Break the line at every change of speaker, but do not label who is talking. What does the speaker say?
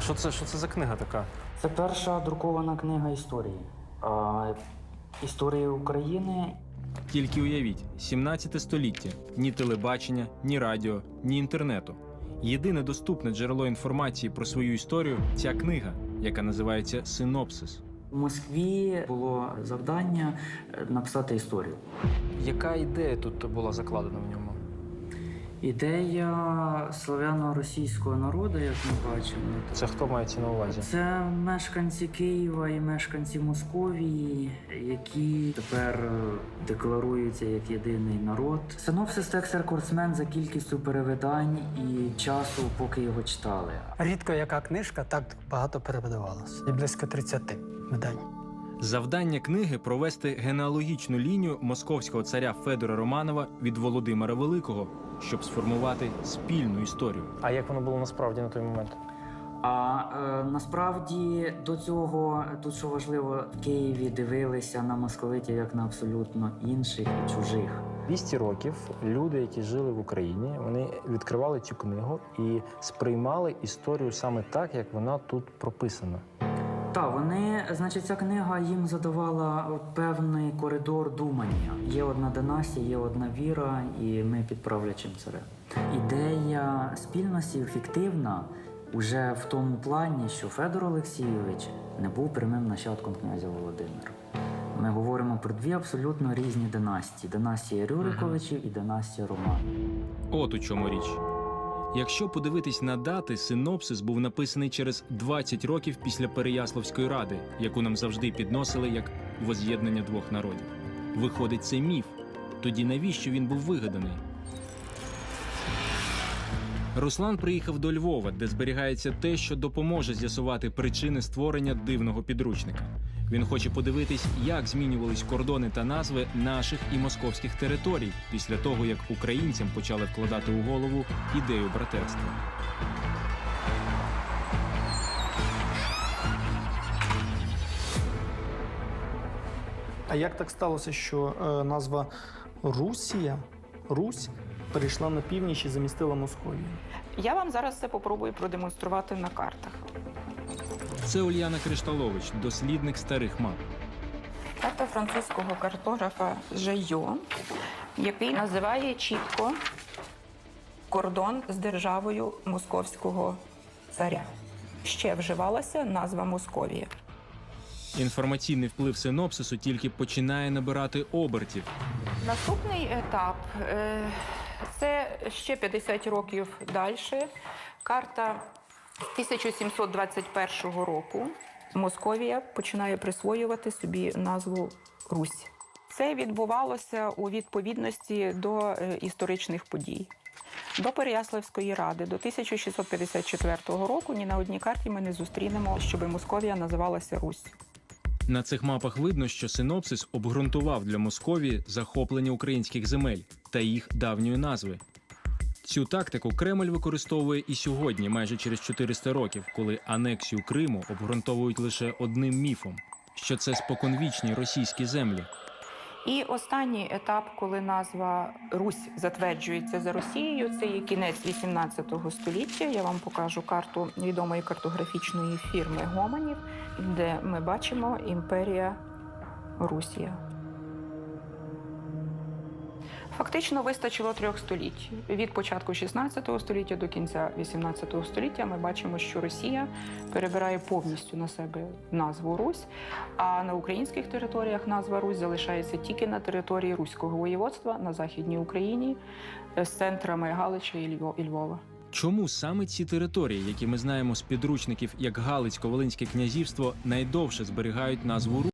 Що це за книга така?
Це перша друкована книга історії. Історії України.
Тільки уявіть, 17 століття. Ні телебачення, ні радіо, ні інтернету. Єдине доступне джерело інформації про свою історію – ця книга, яка називається «Синопсис».
У Москві було завдання написати історію.
Яка ідея тут була закладена в ньому?
Ідея славяно-російського народу, як ми бачимо.
Це хто мається на увазі?
Це мешканці Києва і мешканці Московії, які тепер декларуються як єдиний народ. Синопсис – текст рекордсмен за кількістю перевидань і часу, поки його читали.
Рідко яка книжка так багато перевидавалась. І близько 30 видань.
Завдання книги – провести генеалогічну лінію московського царя Федора Романова від Володимира Великого, щоб сформувати спільну історію.
А як воно було насправді на той момент?
Насправді до цього, тут що важливо, в Києві дивилися на московитів як на абсолютно інших і чужих.
200 років люди, які жили в Україні, вони відкривали цю книгу і сприймали історію саме так, як вона тут прописана.
Так, значить, ця книга їм задавала певний коридор думання. Є одна династія, є одна віра, і ми під правлячим царем. Ідея спільності фіктивна уже в тому плані, що Федор Олексійович не був прямим нащадком князя Володимира. Ми говоримо про дві абсолютно різні династії. Династія Рюриковичів і династія Романів.
От у чому річ. Якщо подивитись на дати, синопсис був написаний через 20 років після Переяславської ради, яку нам завжди підносили як воз'єднання двох народів. Виходить, це міф. Тоді навіщо він був вигаданий? Руслан приїхав до Львова, де зберігається те, що допоможе з'ясувати причини створення дивного підручника. Він хоче подивитись, як змінювались кордони та назви наших і московських територій після того, як українцям почали вкладати у голову ідею братерства.
А як так сталося, що назва Русія, Русь, перейшла на північ і замістила Московію?
Я вам зараз це попробую продемонструвати на картах.
Це Ульяна Кришталович, дослідник старих мап.
Карта французького картографа Жайо, який називає чітко кордон з державою московського царя. Ще вживалася назва Московія.
Інформаційний вплив синопсису тільки починає набирати обертів.
Наступний етап – це ще 50 років далі. Карта 1721 року. Московія починає присвоювати собі назву Русь. Це відбувалося у відповідності до історичних подій. До Переяславської ради, до 1654 року ні на одній карті ми не зустрінемо, щоб Московія називалася Русь.
На цих мапах видно, що синопсис обґрунтував для Московії захоплення українських земель та їх давньої назви. Цю тактику Кремль використовує і сьогодні, майже через 400 років, коли анексію Криму обґрунтовують лише одним міфом – що це споконвічні російські землі.
І останній етап, коли назва Русь затверджується за Росією, це є кінець 18 століття. Я вам покажу карту відомої картографічної фірми Гоманів, де ми бачимо імперія Русія. Фактично вистачило 3 століть. Від початку 16 століття до кінця 18 століття ми бачимо, що Росія перебирає повністю на себе назву Русь, а на українських територіях назва Русь залишається тільки на території Руського воєводства на Західній Україні з центрами Галича і Львова.
Чому саме ці території, які ми знаємо з підручників як Галицько-Волинське князівство, найдовше зберігають назву Русь?